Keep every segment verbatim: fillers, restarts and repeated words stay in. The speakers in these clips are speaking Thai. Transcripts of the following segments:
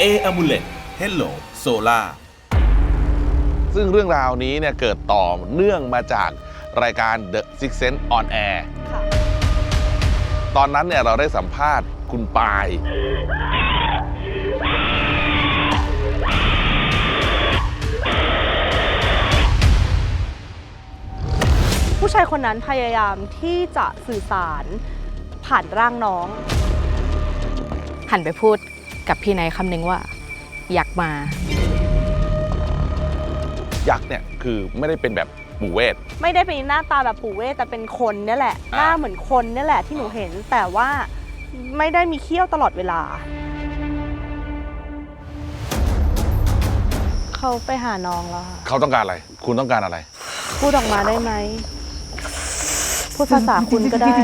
A Amulet Hello Solar ซึ่งเรื่องราวนี้เนี่ยเกิดต่อเนื่องมาจากรายการ The Six Sense on Air ตอนนั้นเนี่ยเราได้สัมภาษณ์คุณปายผู้ชายคนนั้นพยายามที่จะสื่อสารผ่านร่างน้องหันไปพูดกับพี่ไนท์คำนึงว่าอยากมายักษ์เนี่ยคือไม่ได้เป็นแบบปู่เวทไม่ได้เป็นหน้าตาแบบปู่เวทแต่เป็นคนนี่แหละหน้าเหมือนคนนี่แหละที่หนูเห็นแต่ว่าไม่ได้มีเขี้ยวตลอดเวลาเขาไปหาน้องแล้วค่ะเขาต้องการอะไรคุณต้องการอะไรพูดออกมาได้ไหมพูดภาษาคุณก็ได้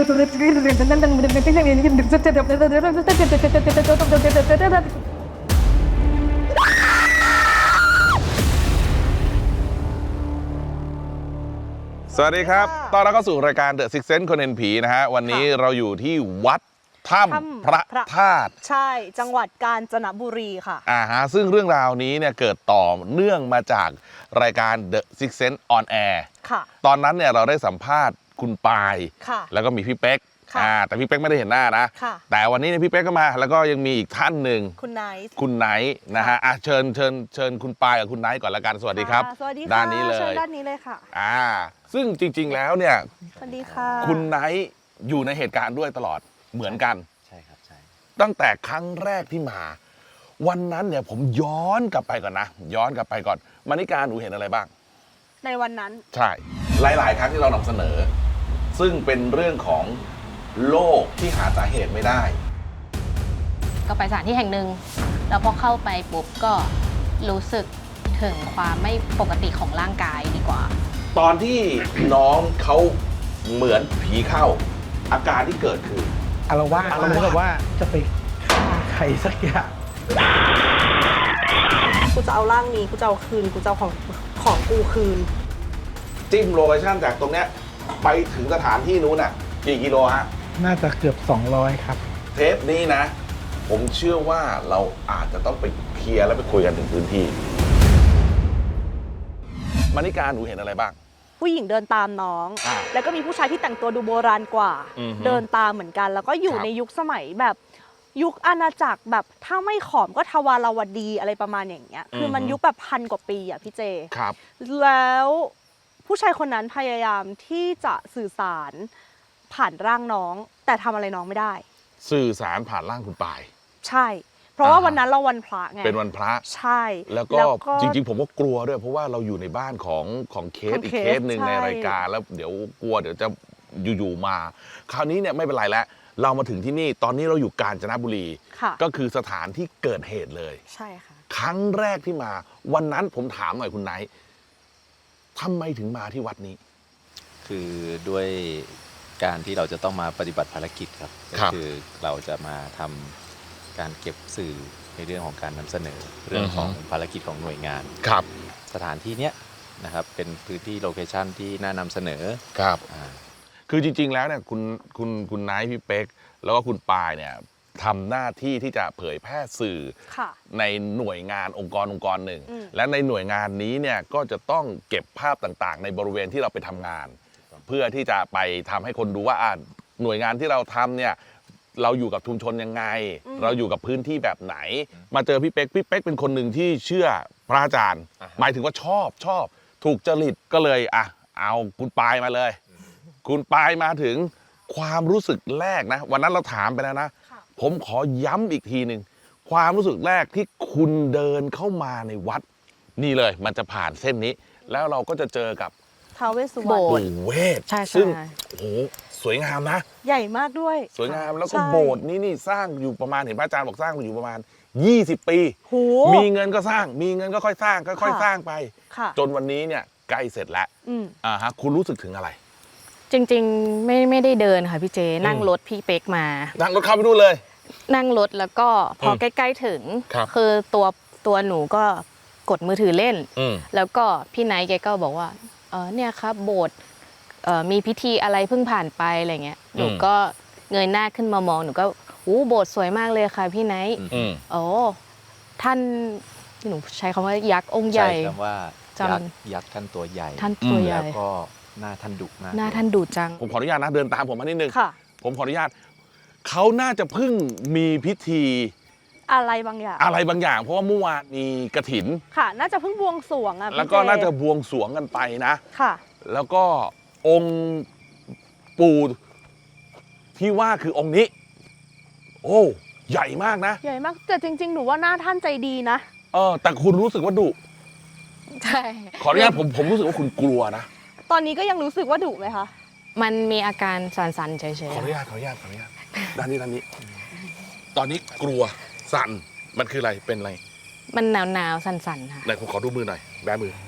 สวัสดีครับต้อนรับเข้าสู่รายการ The Six Sense คนเห็นผีนะฮะวันนี้เราอยู่ที่วัดถ้ำพระธาตุใช่จังหวัดกาญจนบุรีค่ะอ่าฮะซึ่งเรื่องราวนี้เนี่ยเกิดต่อเนื่องมาจากรายการ The Six Sense on Air ค่ะตอนนั้นเนี่ยเราได้สัมภาษณ์คุณปายค่ะแล้วก็มีพี่เป๊กอ่าแต่พี่เป๊กไม่ได้เห็นหน้านะค่ะแต่วันนี้เนี่ยพี่เป๊กก็มาแล้วก็ยังมีอีกท่านหนึ่งคุณไนท์คุณไนท์นะฮะอ่ะเชิญเชิญเชิญคุณปายกับคุณไนท์ก่อนละกันสวัสดีครับสวัสดีค่ะด้านนี้เลยเชิญด้านนี้เลยค่ะอ่าซึ่งจริงๆแล้วเนี่ยสวัสดีค่ะคุณไนท์อยู่ในเหตุการณ์ด้วยตลอดเหมือนกันใช่ครับใช่ตั้งแต่ครั้งแรกที่มาวันนั้นเนี่ยผมย้อนกลับไปก่อนนะย้อนกลับไปก่อนมานิการหนูเห็นอะไรบ้างในวันนั้นใช่หลายๆครั้งที่เรานำเสนอซึ่งเป็นเรื่องของโรคที่หาสาเหตุไม่ได้ก็ไปสถานที่แห่งหนึ่งแล้วพอเข้าไปปุ๊บก็รู้สึกถึงความไม่ปกติของร่างกายดีกว่าตอนที่น้องเขาเหมือนผีเข้าอาการที่เกิดคืออารวาสเหมือนกับว่าจะไปฆ่าใครสักอย่างกูจะเอาร่างนี้กูจะเอาคืนกูจะเอาของของกูคืนจิ้มโลเคชั่นจากตรงเนี้ยไปถึงสถานที่นู้นน่ะกี่กิโลฮะน่าจะเกือบสองร้อยครับเทปนี้นะผมเชื่อว่าเราอาจจะต้องไปเคลียร์แล้วไปคุยกันถึงพื้นที่มานิการหนูเห็นอะไรบ้างผู้หญิงเดินตามน้องอ่าแล้วก็มีผู้ชายที่แต่งตัวดูโบราณกว่าเดินตามเหมือนกันแล้วก็อยู่ในยุคสมัยแบบยุคอาณาจักรแบบถ้าไม่ขอมก็ทวารวดีอะไรประมาณอย่างเงี้ยคือมันยุคแบบพันกว่าปีอ่ะพี่เจครับแล้วผู้ชายคนนั้นพยายามที่จะสื่อสารผ่านร่างน้องแต่ทำอะไรน้องไม่ได้สื่อสารผ่านร่างคุณปายใช่เพราะว่าวันนั้นเราวันพระไงเป็นวันพระใช่แล้วก็จริงๆผมก็กลัวด้วยเพราะว่าเราอยู่ในบ้านของของเคสอีกเคสหนึ่งในรายการแล้วเดี๋ยวกลัวเดี๋ยวจะอยู่ๆมาคราวนี้เนี่ยไม่เป็นไรแล้วเรามาถึงที่นี่ตอนนี้เราอยู่กาญจนบุรีก็คือสถานที่เกิดเหตุเลยใช่ค่ะครั้งแรกที่มาวันนั้นผมถามหน่อยคุณไนท์ทำไมถึงมาที่วัดนี้คือด้วยการที่เราจะต้องมาปฏิบัติภารกิจครับก็คือเราจะมาทำการเก็บสื่อในเรื่องของการนำเสนอเรื่องของภารกิจของหน่วยงานครับสถานที่เนี้ยนะครับเป็นพื้นที่โลเคชั่นที่น่านำเสนอครับคือจริงๆแล้วเนี่ยคุณคุณคุณไนท์พี่เป๊กแล้วก็คุณปายเนี่ยทำหน้าที่ที่จะเผยแพร่สื่อในหน่วยงานองค์กรองค์กรหนึ่งและในหน่วยงานนี้เนี่ยก็จะต้องเก็บภาพต่างๆในบริเวณที่เราไปทำงานเพื่อที่จะไปทำให้คนดูว่าหน่วยงานที่เราทำเนี่ยเราอยู่กับชุมชนยังไงเราอยู่กับพื้นที่แบบไหนมาเจอพี่เป๊กพี่เป๊กเป็นคนหนึ่งที่เชื่อพระอาจารย์หมายถึงว่าชอบชอบถูกจริตก็เลยอ่ะเอาคุณปายมาเลยคุณปายมาถึงความรู้สึกแรกนะวันนั้นเราถามไปแล้วนะผมขอย้ำอีกทีหนึ่งความรู้สึกแรกที่คุณเดินเข้ามาในวัดนี่เลยมันจะผ่านเส้นนี้แล้วเราก็จะเจอกับท้าวเวสสุวรรณปู่เวทซึ่งโอ้โหสวยงามนะใหญ่มากด้วยสวยงามแล้วก็โบสถ์นี้นี่สร้างอยู่ประมาณเห็นพระอาจารย์บอกสร้างอยู่ประมาณยี่สิบปีมีเงินก็สร้างมีเงินก็ค่อยสร้างค่อยๆสร้างไปจนวันนี้เนี่ยใกล้เสร็จแล้วอ่าฮะคุณรู้สึกถึงอะไรจริงๆไม่ไม่ได้เดินค่ะพี่เจนั่งรถพี่เป๊กมานั่งรถเข้าไปดูเลยนั่งรถแล้วก็พอใกล้ๆถึงคือตัวตัวหนูก็กดมือถือเล่นแล้วก็พี่ไนท์แกก็บอกว่าเออเนี่ยครับโบสถ์มีพิธีอะไรเพิ่งผ่านไปอะไรเงี้ยหนูก็เงยหน้าขึ้นมามองหนูก็อู้โบสถ์สวยมากเลยค่ะพี่ไนท์โอ้ท่านหนูใช้คำว่ายักษ์องค์ใหใช้ญ่คำว่าจำยักษ์ยักษ์ท่านตัวใหญ่ท่านตัวใหญ่แล้วก็หน้าท่านดุมากหน้าท่านดุจังผมขออนุญาตนะเดินตามผมมานิดนึงค่ะผมขออนุญาตเขาน่าจะเพิ่งมีพิธีอะไรบางอย่างอะไรบางอย่าง เพราะว่าเมื่อวานมีกระถินค่ะ น่าจะเพิ่งบวงสรวงอ่ะพี่แล้วก็เจน่าจะบวงสรวงกันไปนะค่ะแล้วก็องค์ปู่ที่ว่าคือองค์นี้ โอ้ใหญ่มากนะใหญ่มากแต่จริง ๆ หนูว่าหน้าท่านใจดีนะเออแต่คุณรู้สึกว่าดุใช่ขออนุญาตผมผมรู้สึกว่าคุณกลัวนะตอนนี้ก็ยังรู้สึกว่าดุไหมคะมันมีอาการสั่นๆเฉยขออนุญาตขออนุญาตขออนุญาตด้านนี้ด้านนี้ ตอนนี้กลัวสั่นมันคืออะไรเป็นอะไรๆมันหนาวๆสั่นๆค่ะไหนผมขอดูมือหน่อยแบมือ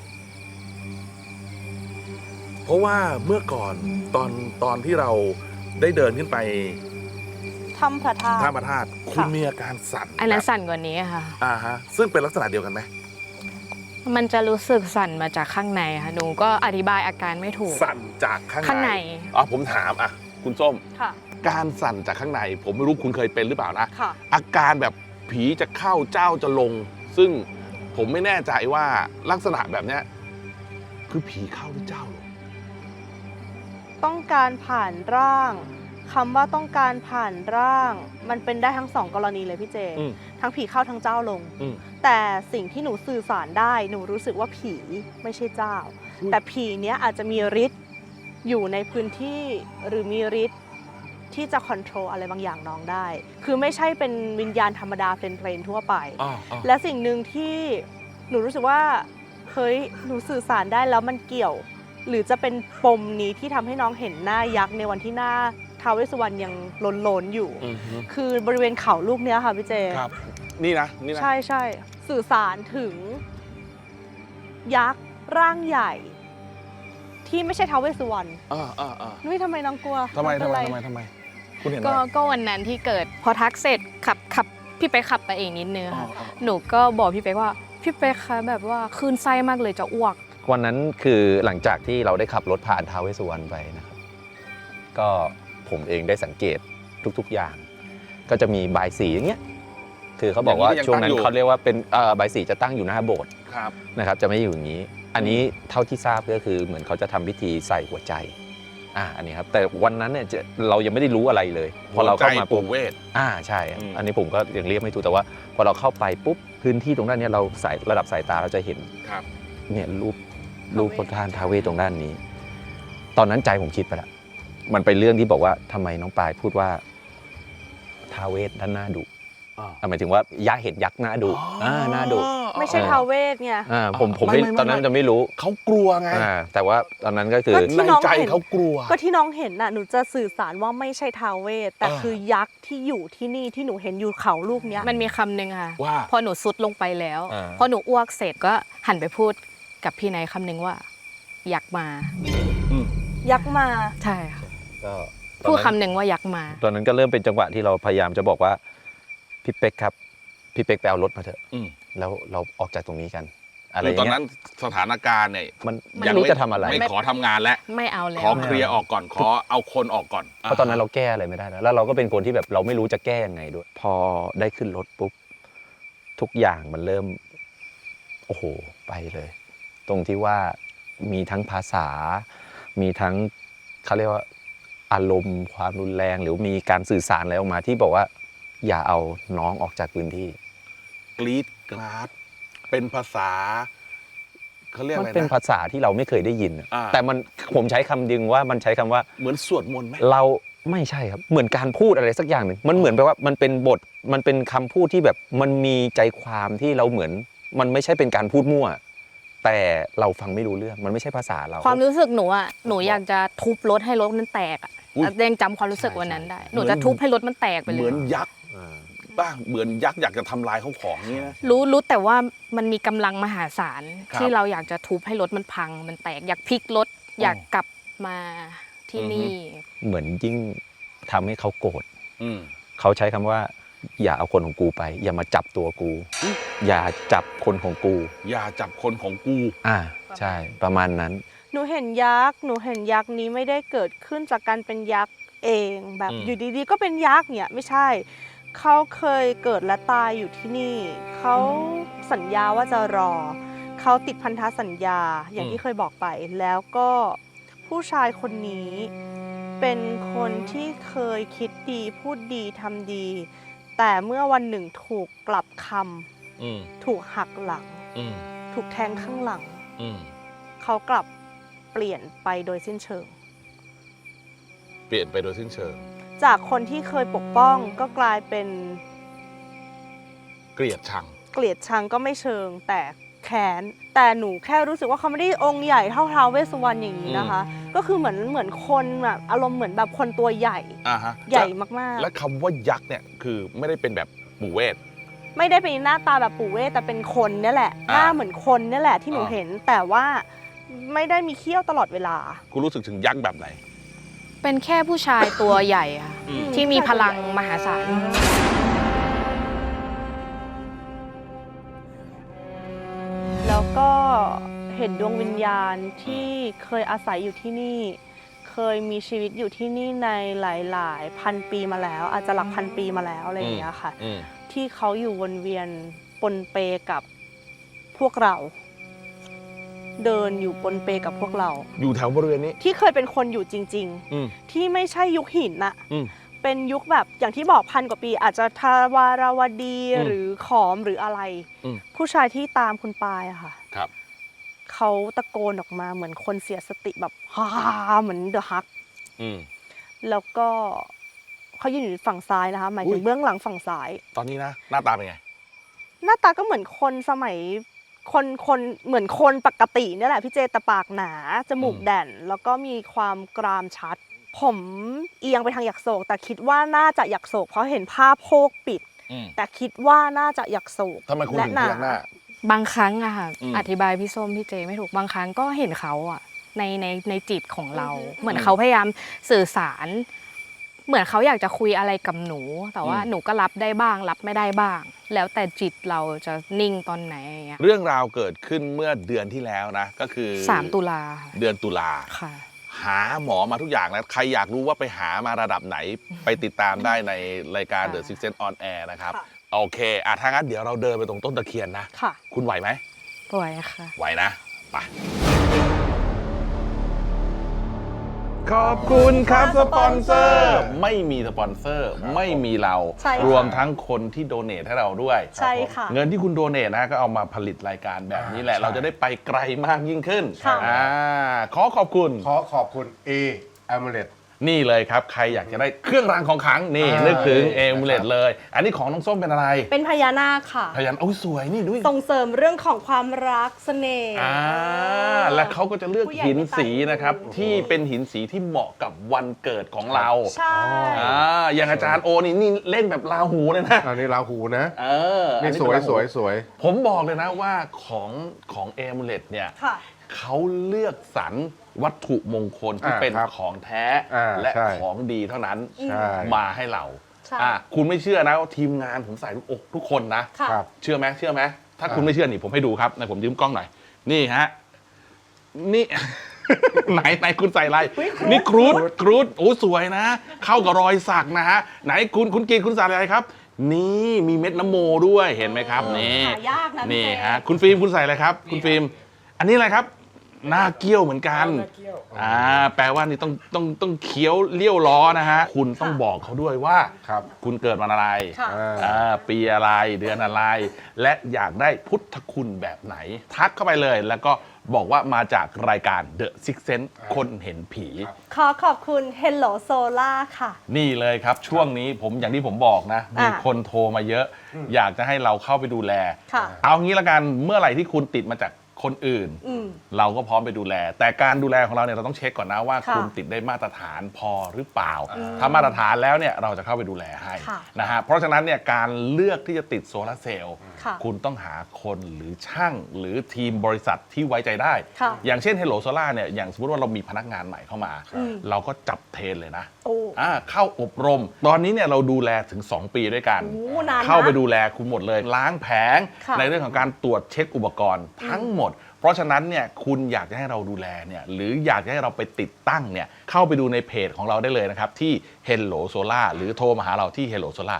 เพราะว่าเมื่อก่อนตอนตอนที่เราได้เดินขึ้นไปทำพระธาตุท่าพระธาตุคุณค่ะมีอาการสั่นอันนั้นแบบสั่นกว่านี้ค่ะอ่าฮะซึ่งเป็นลักษณะเดียวกันไหมมันจะรู้สึกสั่นมาจากข้างในค่ะหนูก็อธิบายอาการไม่ถูกสั่นจากข้างในข้างในอ๋อผมถามอ่ะคุณส้มค่ะการสั่นจากข้างใน ผมไม่รู้คุณเคยเป็นหรือเปล่านะค่ะอาการแบบผีจะเข้าเจ้าจะลง ซึ่งผมไม่แน่ใจว่าลักษณะแบบเนี้ยคือผีเข้าหรือเจ้าลงต้องการผ่านร่างคำว่าต้องการผ่านร่าง มันเป็นได้ทั้งสองกรณีเลยพี่เจอืมทั้งผีเข้าทั้งเจ้าลงอืมแต่สิ่งที่หนูสื่อสารได้หนูรู้สึกว่าผีไม่ใช่เจ้าอุ๊ยแต่ผีเนี้ยอาจจะมีฤทธิ์อยู่ในพื้นที่หรือมีฤทธิ์ที่จะคอนโทรลอะไรบางอย่างน้องได้ คือไม่ใช่เป็นวิญญาณธรรมดาเพลนๆทั่วไปอ่าอ่าและสิ่งหนึ่งที่หนูรู้สึกว่าเฮ้ยหนูสื่อสารได้แล้วมันเกี่ยว หรือจะเป็นปมนี้ที่ทำให้น้องเห็นหน้ายักษ์ในวันที่หน้าท้าวเวสสุวรรณยังโลนๆอยู่อือฮึคือบริเวณเขาลูกเนี้ยค่ะพี่เจครับ นี่นะนี่นะใช่ใช่สื่อสารถึง ยักษ์ร่างใหญ่ ที่ไม่ใช่ท้าวเวสสุวรรณอ่าอ่าอ่านุ้ยทำไมน้องกลัวทำไมน้องทำเป็นไมรทำไมทำไม คุณเห็นไหมก็ก็วันนั้นที่เกิดพอทักเสร็จขับขับพี่ไปกขับไปเองนิดนึงอ๋อค่ะอ๋อหนูก็บอกพี่เป๊กว่าพี่เป๊กคะแบบว่าคลื่นไส้มากเลยจะอ้วกวันนั้นคือหลังจากที่เราได้ขับรถผ่านท้าวเวสสุวรรณไปนะครับก็ผมเองได้สังเกตทุกๆอย่าง ก็จะมีบายสีอย่างเงี้ยคือเขาบอกว่าอย่างนี้ก็ยังช่วงนั้นตั้งอยู่เขาเรียกว่าเป็นเอ่อบายสีจะตั้งอยู่หน้าโบสถ์ครับนะครับจะไม่อยู่อย่างนี้ อันนี้เท่าที่ทราบก็คือเหมือนเขาจะทำพิธีใส่หัวใจอ่าอันนี้ครับแต่วันนั้นเนี่ยจะเรายังไม่ได้รู้อะไรเลยพอเราเข้ามาหัวใจปุ๊บปู่เวทอ่าใช่ครับอืมอันนี้ผมก็ยังเรียกไม่ถูกแต่ว่า พอเราเข้าไปปุ๊บพื้นที่ตรงด้านเนี้ยเราสายระดับสายตาเราจะเห็นครับเนี่ยรูปรูปพระธาตุท้าวเวสตรงด้านนี้ ตอนนั้นใจผมคิดไปแล้วมันเป็นเรื่องที่บอกว่าทำไมน้องปายพูดว่าท้าวเวสด้านหน้าดุอ่าหมายถึงว่ายักษ์เห็นยักษ์หน้าดุอ่าหน้าดุไม่ใช่ท้าวเวสไงอ่าผมผมไม่ไม่ไม่ไม่ตอนนั้นจะไม่รู้เขากลัวไงอ่าแต่ว่าตอนนั้นก็คือก็ที่ในน้องใจเห็นเขากลัวก็ที่น้องเห็นน่ะหนูจะสื่อสารว่าไม่ใช่ท้าวเวสแต่อ่าคือยักษ์ที่อยู่ที่นี่ที่หนูเห็นอยู่เขาลูกเนี้ยมันมีคำหนึ่งค่ะว่าพอหนูซุดลงไปแล้วอ่าพอหนูอ้วกเสร็จก็หันไปพูดกับพี่นายคำหนึ่งว่าอยากมายักษ์มาใช่ค่ะก็พูดคำหนึ่งว่าอยากมาตอนนั้นก็เริ่มเป็นจังหวะที่เราพยายามจะบอกว่าพี่เป๊กครับพี่เป๊กไปเอารถมาเถอะอืมแล้วเราออกจากตรงนี้กัน อะไรคืออย่างตอนเงี้นั้ยนสถานการณ์เนี่ยมันไม่ยังรู้จะทำอะไรไม่ขอทำงานแล้วไม่เอาแล้ขอวเคลียร์ออกก่อน ขอเอาคนออกก่อนเพราะตอนนั้นเราแก้อะไรไม่ได้แล้วแล้วเราก็เป็นคนที่แบบเราไม่รู้จะแก้ยังไงด้วย พอได้ขึ้นรถปุ๊บทุกอย่างมันเริ่ม โอ้โหไปเลย ตรงที่ว่ามีทั้งภาษา มีทั้งเขาเรียกว่าอารมณ์ความรุนแรง หรือมีการสื่อสารอะไรออกมาที่บอกว่า อย่าเอาน้องออกจากพื้นที่กรีดกราดเป็นภาษาเขาเรียกมัอะไรเป็นนะภาษาที่เราไม่เคยได้ยินอะอ่าแต่มันผมใช้คำดึงว่ามันใช้คำว่าเหมือนสวดมนต์ไหมเราไม่ใช่ครับเหมือนการพูดอะไรสักอย่างหนึ่งมันเหมือนแปลว่ามันเป็นบทมันเป็นคำพูดที่แบบมันมีใจความที่เราเหมือน มันไม่ใช่เป็นการพูดมั่ว แต่เราฟังไม่รู้เรื่องมันไม่ใช่ภาษาเราความรู้สึกหนูอ่ะหนูอยากจะทุบรถให้รถมันแตกอ่ะอุ๊ยยังจำความรู้สึกวันนั้นได้ หนูเหมือนจะทุบให้รถมันแตกไปเลเหมืยอนยักษ์ป่ะเหมือนยักษ์อยากจะทำลายเขาของเนี้ยนะรู้รู้แต่ว่ามันมีกำลังมหาศาลครับที่เราอยากจะทุบให้รถมันพัง มันแตกอยากพลิกรถ อยากกลับมาที่นี่เหมือนยิ่งทำให้เขาโกรธอืมเขาใช้คำว่า อย่าเอาคนของกูไป อย่ามาจับตัวกู อย่าจับคนของกูอย่าจับคนของกูอ่าใช่ประมาณนั้นหนูเห็นยักษ์หนูเห็นยักษ์นี้ไม่ได้เกิดขึ้นจากการเป็นยักษ์เอง แบบอืมอยู่ดีๆ ก็เป็นยักษ์เนี่ยไม่ใช่เขาเคยเกิดและตายอยู่ที่นี่ เขาสัญญาว่าจะรอ เขาติดพันธสัญญาอย่างที่เคยบอกไป แล้วก็ผู้ชายคนนี้เป็นคนที่เคยคิดดีพูดดีทำดี แต่เมื่อวันหนึ่งถูกกลับคอืมำถูกหักหลังอืมถูกแทงข้างหลังอืมเขากลับเปลี่ยนไปโดยสิ้นเชิงเปลี่ยนไปโดยสิ้นเชิงจากคนที่เคยปกป้องก็กลายเป็นเกลียดชังเกลียดชังก็ไม่เชิง แต่แค้นแต่หนูแค่รู้สึกว่าเขาไม่ได้องค์ใหญ่เท่าท้าวเวสสุวรรณอย่างนี้นะคะ ก็คือเหมือนเหมือนคนแบบอารมณ์เหมือนแบบคนตัวใหญ่อ่าฮะใหญ่มากและคำว่ายักษ์เนี่ยคือไม่ได้เป็นแบบปู่เวทๆ ไม่ได้เป็นหน้าตาแบบปู่เวทแต่เป็นคนเนี่ยแหละอ่าหน้าเหมือนคนเนี่ยแหละที่หนูอ่าเห็น แต่ว่าไม่ได้มีเขี้ยวตลอดเวลาคุณรู้สึกถึงยักษ์แบบไหนเป็นแค่ผู้ชายตัวใหญ่ค่ะอืมที่มีพลังมหาศาลแล้วก็เห็นดวงวิญญาณที่เคยอาศัยอยู่ที่นี่ เคยมีชีวิตอยู่ที่นี่ในหลายๆ พันปีมาแล้ว อาจจะหลักพันปีมาแล้วอะไรอย่างเงี้ยค่ะอืมที่เขาอยู่วนเวียนปนเปกับพวกเรา เดินอยู่ปนเปกับพวกเราอยู่แถวบริเวณนี้ที่เคยเป็นคนอยู่จริงอืมๆ ที่ไม่ใช่ยุคหินน่ะอืมเป็นยุคแบบอย่างที่บอกพันกว่าปี อาจจะทาวาราวดีอืมหรือขอมหรืออะไรอืมผู้ชายที่ตามคุณปายอะค่ะครับเขาตะโกนออกมาเหมือนคนเสียสติแบบฮ่าเหมือนเดอะฮักอืมแล้วก็เขายืนอยู่ฝั่งซ้ายนะคะ หมายถึอุ๊งยเบื้องหลังฝั่งซ้ายตอนนี้นะ หน้าตาเป็นไงหน้าตาก็เหมือนคนสมัยคนคนเหมือนคนปกติเนี่ยแหละพี่เจแต่ปากหนาจมูกอืมแด่น แล้วก็มีความกรามชัด ผมเอียงไปทางหยักโศก แต่คิดว่าน่าจะหยักโศก เพราะเห็นผ้าโพกปิดอืมแต่คิดว่าน่าจะหยักโศกทำไมคุณและถึงหนาเพียงหน้าบางครั้งอะค่ะอืมอธิบายพี่ส้มพี่เจไม่ถูกบางครั้งก็เห็นเขาอะในในในจิตของเราอือฮึเหมือนเขาพยายามสื่อสาร เหมือนเขาอยากจะคุยอะไรกับหนู แต่ว่าอืมหนูก็รับได้บ้าง รับไม่ได้บ้าง แล้วแต่จิตเราจะนิ่งตอนไหนอย่างเงี้ยเรื่องราวเกิดขึ้นเมื่อเดือนที่แล้วนะ ก็คือสามตุลาค่ะเดือนตุลาค่ะหาหมอมาทุกอย่างแล้ว ใครอยากรู้ว่าไปหามาระดับไหน ไปติดตามได้ในรายการ The Six Sense on Air นะครับค่ะโอเค อ่ะถ้างั้นเดี๋ยวเราเดินไปตรงต้นตะเคียนนะค่ะคุณไหวไหมป่วยค่ะไหวนะ ไป ขอบคุณครับสปอนเซอร์ ไม่มีสปอนเซอร์ ไม่มีเราใช่ค่ะรวมทั้งคนที่โดเนทให้เราด้วยใช่ค่ะเงินที่คุณโดเนทนะก็เอามาผลิตรายการแบบนี้แหละใช่เราจะได้ไปไกลมากยิ่งขึ้นค่ะอ่าขอขอบคุณขอขอบคุณ A a m u l e t นี่เลยครับ ใครอยากจะได้เครื่องรางของขลังนี่อ่านึนึกถึงนี่เอมูเลตนะครับเลย อันนี้ของน้องส้มเป็นอะไรเป็นพญานาคค่ะพยันโอ้ยสวยนี่ด้วยส่งเสริมเรื่องของความรักเสน่ห์อ่าและเขาก็จะเลือกผู้ใหญ่หินไม่ตายสีนะครับ ที่เป็นหินสีที่เหมาะกับวันเกิดของเราใช่อ่าอย่างอาจารย์โอนี่นี่เล่นแบบลาหูเลยนะอันนี้ราหูนะเอออันี่เป็สวยราหูสวยสวยผมบอกเลยนะว่าของของเอมูเลตเนี่ยค่ะเขาเลือกสรรวัตถุมงคลที่อ่าเป็นครับของแท้อ่าและใช่ของดีเท่านั้นใช่มาให้เราใช่อ่ะคุณไม่เชื่อนะว่าทีมงานผมใส่ทุกอกทุกคนนะค่ะครับเชื่อไหมเชื่อไหมถ้าอ่าคุณไม่เชื่อนี่ผมให้ดูครับไหนผมยืมกล้องหน่อย นี่ฮะ นี่ ไหนไหนคุณใส่อะไร นี่ครูดครูดโอ้สวยนะ เข้ากับรอยสักนะฮะ ไหนคุณคุณกินคุณใส่อะไรครับ นี่มีเม็ดน้ำโมด้วยเห็นไหมครับ นี่หายากนะพี่นี่เจฮะคุณฟิล์มคุณใส่อะไรครับ คุณฟิล์มอันนี้อะไรครับ หน้าเกี้ยวเหมือนกัน อ่า แปลว่านี่ต้องต้องต้องเคี้ยวเลี้ยวล้อนะฮะ คุณต้องบอกเขาด้วยว่าครับคุณเกิดวันอะไรค่ะอ่าอ่าปีอะไรเดือนอะไร และอยากได้พุทธคุณแบบไหน ทักเข้าไปเลยแล้วก็บอกว่ามาจากรายการ The Six Sense คนเห็นผีขอขอบคุณ Hello Solar ค่ะนี่เลยครับช่วงนี้ผมอย่างที่ผมบอกนะ มีอ่ะคนโทรมาเยอะ อยากจะให้เราเข้าไปดูแลค่ะเอางี้ละกันเมื่อไหร่ที่คุณติดมาจากคนอื่นอืมเราก็พร้อมไปดูแล แต่การดูแลของเราเนี่ยเราต้องเช็คก่อนนะว่าค่ะคุณติดได้มาตรฐานพอหรือเปล่า ถ้ามาตรฐานแล้วเนี่ยเราจะเข้าไปดูแลให้ค่ะนะฮะเพราะฉะนั้นเนี่ยการเลือกที่จะติดโซลาร์เซลล์ค่ะคุณต้องหาคนหรือช่างหรือทีมบริษัทที่ไว้ใจได้ค่ะอย่างเช่น Hello Solar เนี่ยอย่างสมมติว่าเรามีพนักงานใหม่เข้ามาอืมเราก็จับเทรนเลยนะโอ้อ่าเข้าอบรม ตอนนี้เนี่ยเราดูแลถึง สอง ปีด้วยกันโหนานนะเข้าไปดูแลคุณหมดเลย ล้างแผงค่ะในเรื่องของการตรวจเช็คอุปกรณ์ทั้งหมด เพราะฉะนั้นเนี่ยคุณอยากจะให้เราดูแลเนี่ยหรืออยากจะให้เราไปติดตั้งเนี่ยเข้าไปดูในเพจของเราได้เลยนะครับ ที่ Hello Solar หรือโทรมาหาเราที่ Hello Solar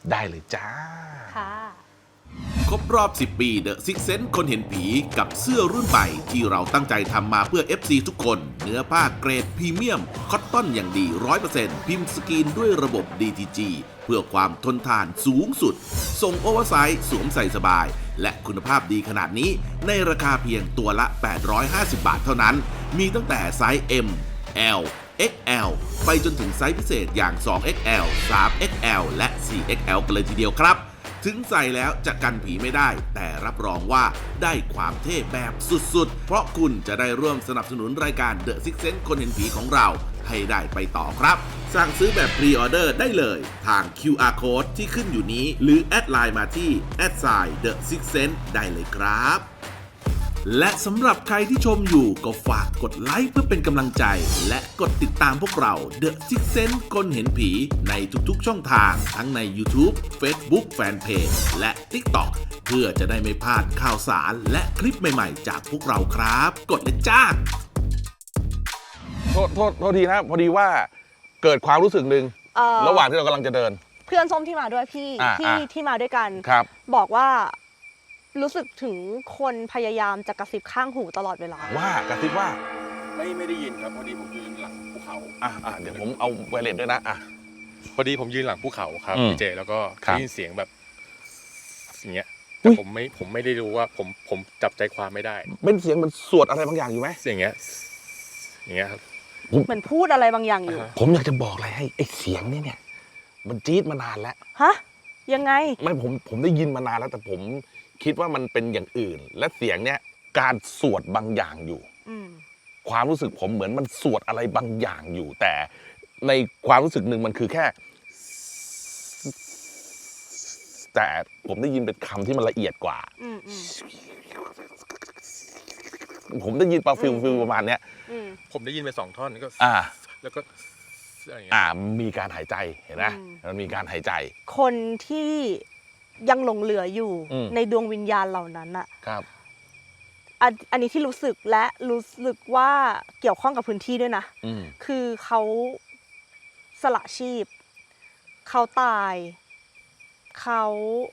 ได้เลยจ้าค่ะครบรอบ สิบ ปี The Six Sense คนเห็นผีกับเสื้อรุ่นใหม่ที่เราตั้งใจทำมาเพื่อ เอฟ ซี ทุกคน เนื้อผ้าเกรดพรีเมียม คอตตอนอย่างดี ร้อยเปอร์เซ็นต์ พิมพ์สกรีนด้วยระบบ ดี ที จี เพื่อความทนทานสูงสุด ส่งโอเวอร์ไซส์สวมใส่สบาย และคุณภาพดีขนาดนี้ในราคาเพียงตัวละ แปดร้อยห้าสิบ บาทเท่านั้น มีตั้งแต่ไซส์ M L เอ็กซ์ แอล ไปจนถึงไซส์พิเศษอย่าง สอง เอ็กซ์ แอล สาม เอ็กซ์ แอล และ สี่ เอ็กซ์ แอล กันเลยทีเดียวครับ ถึงใส่แล้วจะกันผีไม่ได้ แต่รับรองว่าได้ความเท่แบบสุดๆ เพราะคุณจะได้ร่วมสนับสนุนรายการ The Six Sense คนเห็นผีของเราให้ได้ไปต่อครับ สั่งซื้อแบบพรีออเดอร์ได้เลยทาง คิว อาร์ Code ที่ขึ้นอยู่นี้ หรือแอดไลน์มาที่ แอดไซน์ The Six Sense ได้เลยครับ และสำหรับใครที่ชมอยู่ก็ฝากกดไลค์เพื่อเป็นกำลังใจ และกดติดตามพวกเรา The Six Sense คนเห็นผีในทุกๆช่องทาง ทั้งใน YouTube Facebook Fanpage และ TikTok เพื่อจะได้ไม่พลาดข่าวสารและคลิปใหม่ๆจากพวกเราครับ กดเลยจ้าโทษโทษโทษทีนะ พอดีว่าเกิดความรู้สึกหนึ่งเอ่อระหว่างที่เรากำลังจะเดินเพื่อนส้มที่มาด้วยพี่อ่าที่อ่าที่มาด้วยกันครับบอกว่ารู้สึกถึงคนพยายามจะกระซิบข้างหูตลอดเวลาว่ากระซิบว่าไม่ไม่ได้ยินครับพอดีผมยืนหลังภูเขาอ่ะอ่ะเดี๋ยวผมเอาไวเลสด้วยนะอ่ะพอดีผมยืนหลังภูเขาครับอืมพี่เจแล้วก็ครับได้ยินเสียงแบบอย่างเงี้ยแต่ผมไม่ผมไม่ได้รู้ว่าผมผมจับใจความไม่ได้เป็นเสียงเหมันสวดอะไรบางอย่างอยู่ไหมเสียงเงี้ยอย่างเงี้ยครับเหมือนพูดอะไรบางอย่างอยู่อ่าฮะผมอยากจะบอกอะไรให้ไอ้เสียงนี่เนี่ย มันจี๊ดมานานแล้วฮะ ยังไงไม่ผมผมได้ยินมานานแล้วแต่ผมคิดว่ามันเป็นอย่างอื่น และเสียงเนี้ยการสวดบางอย่างอยู่อืมความรู้สึกผมเหมือนมันสวดอะไรบางอย่างอยู่ แต่ในความรู้สึกหนึ่งมันคือแค่ แต่ผมได้ยินเป็นคำที่มันละเอียดกว่าอืมอืมผมได้ยินปลาฟิลอืมฟิลประมาณเนี้ยอืมผมได้ยินไปสองท่อนก็อ่าแล้วก็อะไรอย่างเงี้ยอ่ามีการหายใจเห็นไหมอืมมันมีการหายใจคนที่ยังหลงเหลืออยู่อืมในดวงวิญญาณเหล่านั้นอะครับอันอันนี้ที่รู้สึกและรู้สึกว่าเกี่ยวข้องกับพื้นที่ด้วยนะอืมคือเขาสละชีพ เขาตาย เขา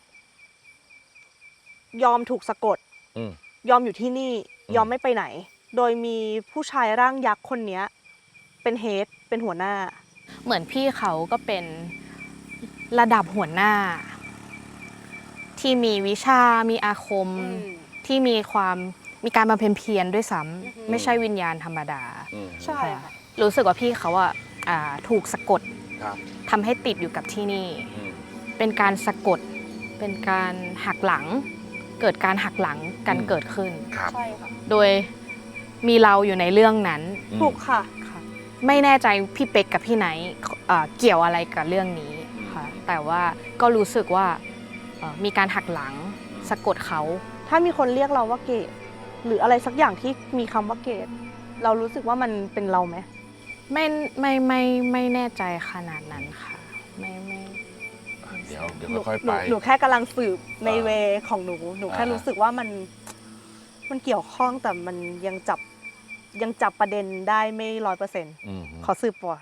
ยอมถูกสะกดอืมยอมอยู่ที่นี่อืมยอมไม่ไปไหน โดยมีผู้ชายร่างยักษ์คนเนี้ย เป็นเฮดเป็นหัวหน้าเหมือนพี่เขาก็เป็นระดับหัวหน้า ที่มีวิชา มีอาคม ที่มีความมีการบำเพ็ญเพียรด้วยซ้อือฮึำไม่ใช่วิญญาณธรรมดาอืมใช่ค่ะรู้สึกว่าพี่เขาอะอ่าถูกสะกดครับทำให้ติดอยู่กับที่นี่อืมเป็นการสะกด เป็นการหักหลัง เกิดการหักหลังกันอืมเกิดขึ้นครับใช่ค่ะโดยมีเราอยู่ในเรื่องนั้นอืมถูกค่ะค่ะไม่แน่ใจพี่เป๊กกับพี่ไนท์เอ่อเกี่ยวอะไรกับเรื่องนี้ค่ะแต่ว่าก็รู้สึกว่าเอ่อมีการหักหลังสะกดเขาถ้ามีคนเรียกเราว่าเกดหรืออะไรสักอย่างที่มีคำว่าเกดเรารู้สึกว่ามันเป็นเราไหมไม่ไม่ไม่ไม่แน่ใจขนาดนั้นค่ะ ไม่ไม่เดี๋ยวเดี๋ยวหนูค่อยๆหนูไปหนูแค่กำลังสืบในอ่าเวของหนู หนูแค่อ่ารู้รู้สึกว่ามัน มันเกี่ยวข้องแต่มันยังจับยังจับประเด็นได้ไม่ร้อยเปอร์เซ็นต์อืมขอสืบก่อน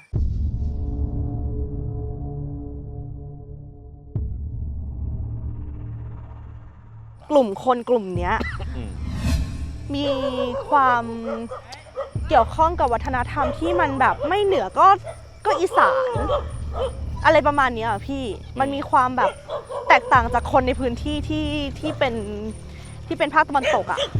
กลุ่มคนกลุ่มเนี้ยอืมมีความเกี่ยวข้องกับวัฒนธรรมที่มันแบบไม่เหนือก็ก็อีสาน อะไรประมาณเนี้ยอะพี่มันมีความแบบแตกต่างจากคนในพื้นที่ที่ที่เป็นที่เป็นภาคตะวันตกอ่ะ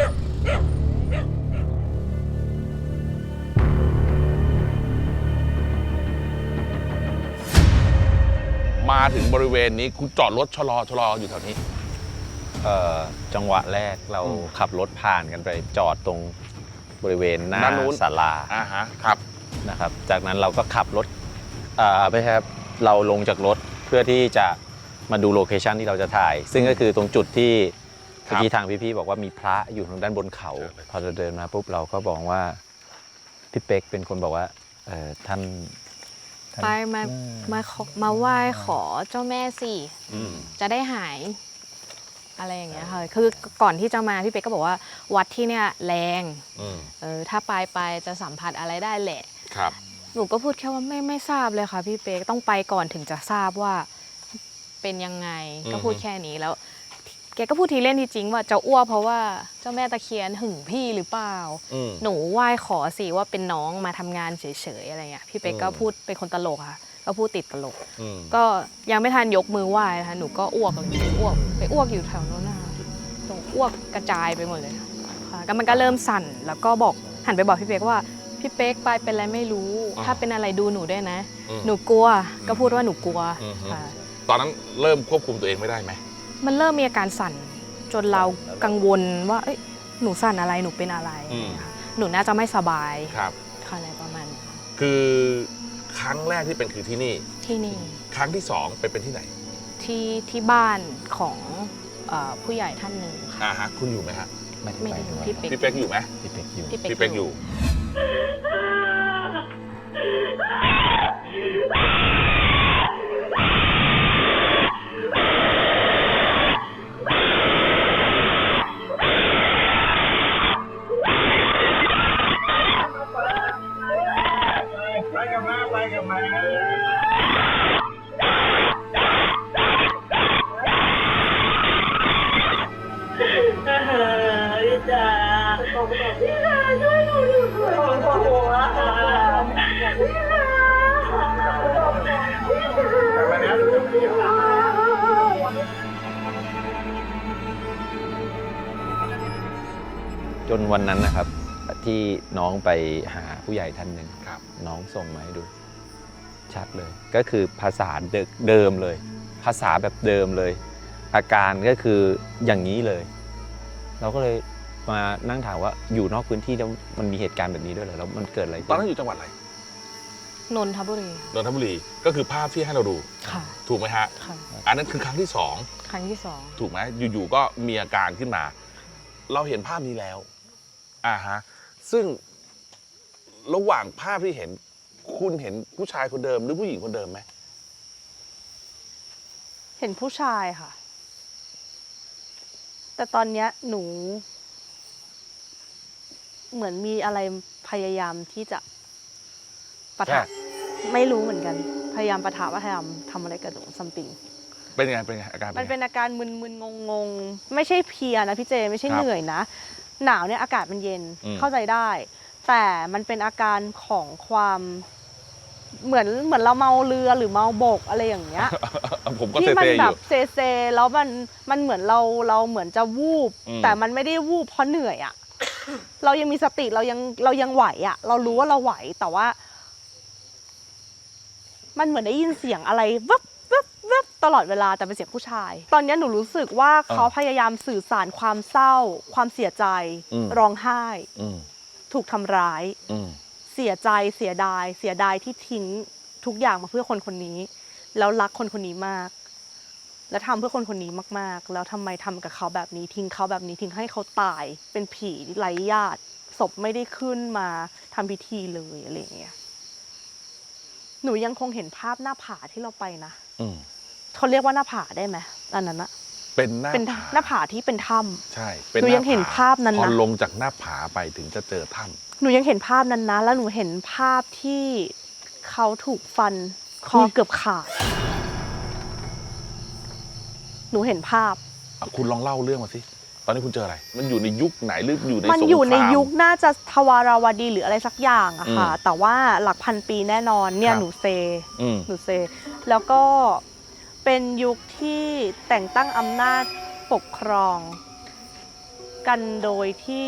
มาถึงบริเวณนี้คุณจอดรถชะลอชะลออยู่แถวนี้เอ่อจังหวะแรกเราอืมขับรถผ่านกันไปจอดตรงบริเวณหน้าด้านนู้นศาลาอ่าฮะครับนะครับ จากนั้นเราก็ขับรถอ่าไม่ใช่ครับเราลงจากรถเพื่อที่จะมาดูโลเคชันที่เราจะถ่าย ซึ่งก็คือตรงจุดที่ครับเมื่อกี้ทางพี่ๆบอกว่ามีพระอยู่ทางด้านบนเขา พอเราเดินมาปุ๊บเราก็บอกว่าพี่เป๊กเป็นคนบอกว่าเอ่อท่านท่านไปมามาขอมาไหว้ขอเจ้าแม่สิอืมจะได้หายอะไรอย่างเงี้ยค่ะคือก่อนที่จะมาพี่เป๊กก็บอกว่าวัดที่เนี่ยแรงอืมเออถ้าไปไปจะสัมผัสอะไรได้แหละครับหนูก็พูดแค่ว่าไม่ไม่ทราบเลยค่ะพี่เป๊กต้องไปก่อนถึงจะทราบว่าเป็นยังไงอืมก็พูดแค่นี้แล้วแกก็พูดทีเล่นทีจริงว่าจะอ้วกเพราะว่าเจ้าแม่ตะเคียนหึงพี่หรือเปล่าอืมหนูไหว้ขอสิว่าเป็นน้องมาทำงานเฉยๆอะไรเงี้ยพี่เป๊กก็อืมพูดเป็นคนตลกค่ะก็พูดติดตลกอืมก็ยังไม่ทันยกมือไหว้นะคะหนูก็อ้วกเลยอ้วกไปอ้วกอยู่แถวโน้นนะคะตรงอ้วกกระจายไปหมดเลยค่ะก็มันก็เริ่มสั่นแล้วก็บอกหันไปบอกพี่เป๊กว่าพี่เป๊กไปเป็นอะไรไม่รู้อ๋อถ้าเป็นอะไรดูหนูด้วยนะอืมหนูกลัวก็พูดว่าหนูกลัวอืมค่ะตอนนั้นเริ่มควบคุมตัวเองไม่ได้ไหมมันเริ่มมีอาการสั่นจนเรากังวลว่าเอ้ยหนูสั่นอะไรหนูเป็นอะไรค่ะหนูน่าจะไม่สบายครับค่ะอะไรประมาณนี้คือครั้งแรกที่เป็นคือที่นี่ที่นี่ครั้งที่สองไปเป็นที่ไหนที่ที่บ้านของเอ่อผู้ใหญ่ท่านหนึ่งค่ะอ่าฮะคุณอยู่ไหมฮะไม่ได้ไม่ไปได้ด้วยพี่เป๊กพี่เป๊กอยู่ไหมพี่เป๊กอยู่พี่เป๊กพี่เป๊กอยู่จนวันนั้นนะครับ ที่น้องไปหาผู้ใหญ่ท่านหนึ่งครับน้องส่งมาให้ดู ชัดเลย ก็คือภาษาเดิมเลย ภาษาแบบเดิมเลย อาการก็คืออย่างนี้เลย เราก็เลยมานั่งถามว่าอยู่นอกพื้นที่แล้วมันมีเหตุการณ์แบบนี้ด้วยเหรอแล้วมันเกิดอะไรตอนขึ้นั้นนอยู่จังหวัดอะไรนนทบุรีนนทบุรีก็คือภาพที่ให้เราดูค่ะถูกไหมฮะค่ะอันนั้นคือครั้งที่สองครั้งที่สองถูกไหมอยู่ๆก็มีอาการขึ้นมา เราเห็นภาพนี้แล้วอ่าฮะซึ่งระหว่างภาพที่เห็นคุณเห็นผู้ชายคนเดิมหรือผู้หญิงคนเดิมไหมเห็นผู้ชายค่ะ แต่ตอนเนี้ยหนู เหมือนมีอะไรพยายามที่จะปะทะไม่รู้เหมือนกัน พยายามปะทะว่าพยายามทำอะไรกับหนูซัมติงเป็นยังไงเป็นยังไงอาการมันเป็เป็น นยังไงอาการมึนๆงงๆ ไม่ใช่เพลียนะพี่เจไม่ใช่ครับเหนื่อยนะ หนาวเนี่ยอากาศมันเย็นอืมเข้าใจได้ แต่มันเป็นอาการของความเหมือนเหมือนเราเมาเรือหรือเมาบกอะไรอย่างเงี้ยผมก็ที่เซมัเซอแบยู่บเซเซแล้วมันมันเหมือนเราเราเหมือนจะวูบอืมแต่มันไม่ได้วูบเพราะเหนื่อยอะ เรายังมีสติเรายังเรายังไหวอะเรารู้ว่าเราไหวแต่ว่า มันเหมือนได้ยินเสียงอะไรวับวับวับตลอดเวลาแต่เป็นเสียงผู้ชาย ตอนนี้หนูรู้สึกว่าเขาพยายามสื่อสารความเศร้า ความเสียใจ ร้องไห้อืมถูกทำร้ายอืมเสียใจเสียดาย เสียดายที่ทิ้งทุกอย่างมาเพื่อคนคนนี้ แล้วรักคนคนนี้มาก แล้วทำเพื่อคนคนนี้มากๆ แล้วทำไมทำกับเขาแบบนี้ ทิ้งเขาแบบนี้ทิ้งให้เขาตาย เป็นผีไร้ญาติศพไม่ได้ขึ้นมาทำพิธีเลยอะไรอย่างเงี้ยหนูยังคงเห็นภาพหน้าผาที่เราไปนะอืมเขาเรียกว่าหน้าผาได้ไหมอันนั้นอะเป็นหน้าเป็นผาหน้าผาที่เป็นถ้ำใช่หนูยังเห็นภาพนั้นนะพอลงจากหน้าผาไปถึงจะเจอถ้ำหนูยังเห็นภาพนั้นนะ แล้วหนูเห็นภาพที่เขาถูกฟันคอเกือบขาด หนูเห็นภาพอ่ะคุณลองเล่าเรื่องมาสิ ตอนนี้คุณเจออะไร มันอยู่ในยุคไหนหรืออยู่ในมันสงครามอยู่ในยุคน่าจะทวาราวดีหรืออะไรสักอย่างอะค่ะอืมแต่ว่าหลักพันปีแน่นอนเนี่ยครับหนูเซอืมหนูเซ แล้วก็เป็นยุคที่แต่งตั้งอำนาจปกครอง กันโดยที่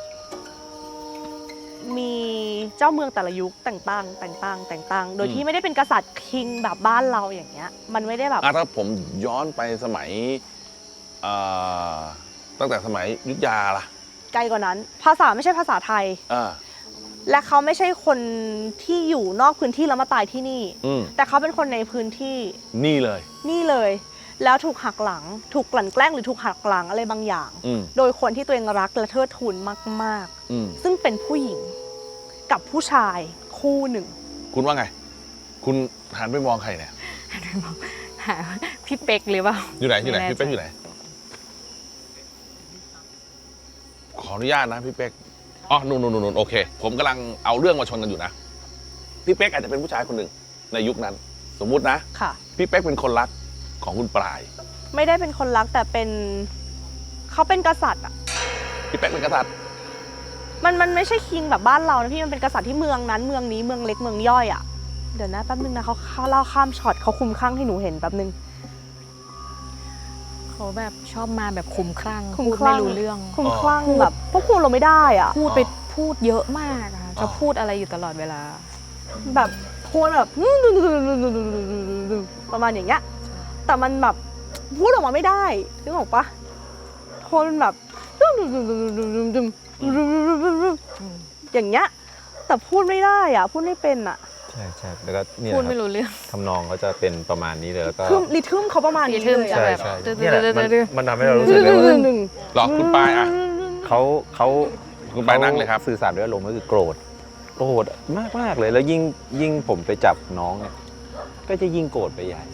มีเจ้าเมืองแต่ละยุคแต่งตั้งแต่งตั้งแต่งตั้ง โดยที่ไม่ได้เป็นกษัตริย์คิงแบบบ้านเราอย่างเงี้ย มันไม่ได้แบบอ่ะถ้าผมย้อนไปสมัยเอ่อตั้งแต่สมัยอยุธยาล่ะไกลกว่านั้น ภาษาไม่ใช่ภาษาไทยอ่าและเขาไม่ใช่คนที่อยู่นอกพื้นที่แล้วมาตายที่นี่อืมแต่เขาเป็นคนในพื้นที่นี่เลยนี่เลย แล้วถูกหักหลัง ถูกกลั่นแกล้งหรือถูกหักหลังอะไรบางอย่างอืมโดยคนที่ตัวเองรักและเทิดทูนมากอืมๆ ซึ่งเป็นผู้หญิงกับผู้ชายคู่หนึ่งคุณว่าไง คุณหันไปมองใครเนี่ยหันไปมองหาพี่เป๊กหรือเปล่าอยู่ไหนอยู่ไหนม่แพี่เป๊กอยู่ไหน ขออนุญาตนะพี่เป๊กอ๋อนู่นนู่นนู่นโอเค ผมกำลังเอาเรื่องมาชนกันอยู่นะ พี่เป๊กอาจจะเป็นผู้ชายคนหนึ่งในยุคนั้น สมมุตินะค่ะพี่เป๊กเป็นคนรักของคุณปลายไม่ได้เป็นคนรักแต่เป็นเขาเป็นกษัตริย์อ่ะพี่เป๊กเป็นกษัตริย์มันมันไม่ใช่คิงแบบบ้านเรานะพี่มันเป็นกษัตริย์ที่เมืองนั้นเมืองนี้เมืองเล็กเมืองย่อยอ่ะเดี๋ยวนะแป๊บนึงนะเขาเขาเล่าข้ามช็อตเขาคุมข้างให้หนูเห็นแป๊บนึงเขาแบบชอบมาแบบคุมคลั่งคุมพูดคลั่ไม่งรู้เรื่องคุมคลั่งแบบพวกคุณเราไม่ได้อ่ะพูดไปพูดเยอะมากอะจะพูดอะไรอยู่ตลอดเวลาแบบพูดแบบประมาณอย่างเงี้ยแต่มันแบบพูดออกมาไม่ได้นึกออกปะโทนแบบอย่างเงี้ยแต่พูดไม่ได้อ่ะพูดไม่เป็นอ่ะใช่ใช่แล้วก็เนี่ยพูดคไม่รับรู้เรื่องทำนองเขาจะเป็นประมาณนี้เลยแล้วก็คือริทึมเขาประมาณนี้ริทึมเลยจะอะแบบใช่ดื้อเนี่ยแหละมันดื้อมันทำให้เรารู้สึกเลยว่าหนึ่งหรอคุณปลายอ่ะเขาเขาคุณปลายนั่งเลยครับสื่อสารด้วยอารมณ์ก็คือโกรธโกรธมากมากๆเลยแล้วยิ่งยิ่งผมไปจับน้องเนี่ยก็จะยิ่งโกรธไปใหญ่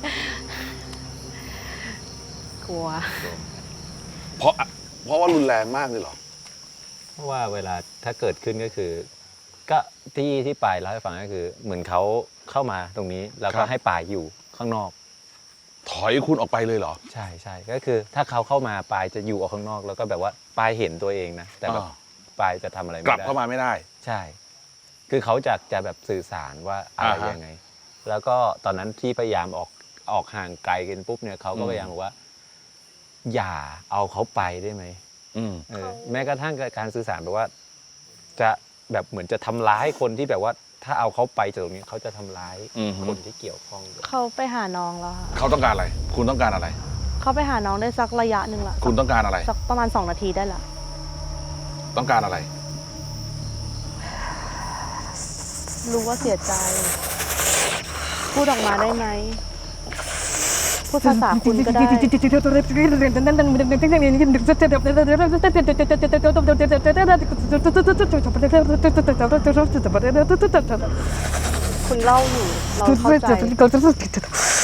กลัวเพราะเพราะว่ารุนแรงมากเลยเหรอเพราะว่าเวลาถ้าเกิดขึ้นก็คือ ก็ที่ที่ปายเล่าให้ฟังก็คือ เหมือนเขาเข้ามาตรงนี้แล้วครัก็บให้ปายอยู่ข้างนอกถอยคุณออกไปเลยเหรอใช่ใช่ก็คือ ถ้าเขาเข้ามาปายจะอยู่ออกข้างนอก แล้วก็แบบว่าปายเห็นตัวเองนะแต่แบบอ่าปายจะทำอะไรไม่กลับได้เข้ามาไม่ได้ใช่ คือเขาจะจะแบบสื่อสารว่าอะไรอ่าฮะยังไง แล้วก็ตอนนั้นที่พยายามออกออกห่างไกลกันปุ๊บเนี่ยเขาก็อืมพยายามบอกว่า อย่าเอาเขาไปได้ไหมอืมเออแม้กระทั่งการสื่อสารแบบว่า จะแบบเหมือนจะทำร้ายคนที่แบบว่า ถ้าเอาเขาไปจากตรงนี้เขาจะทำร้ายอือฮึคนที่เกี่ยวข้องด้วยเขาไปหาน้องแล้วค่ะเขาต้องการอะไร คุณต้องการอะไรเขาไปหาน้องได้สักระยะหนึ่งละคุณต้องการอะไรสักประมาณสองนาทีได้ละต้องการอะไรรู้ว่าเสียใจ พูดออกมาได้ไหมพูดภาษาคุณก็ได้คุณเล่าอยู่เราเข้าใจ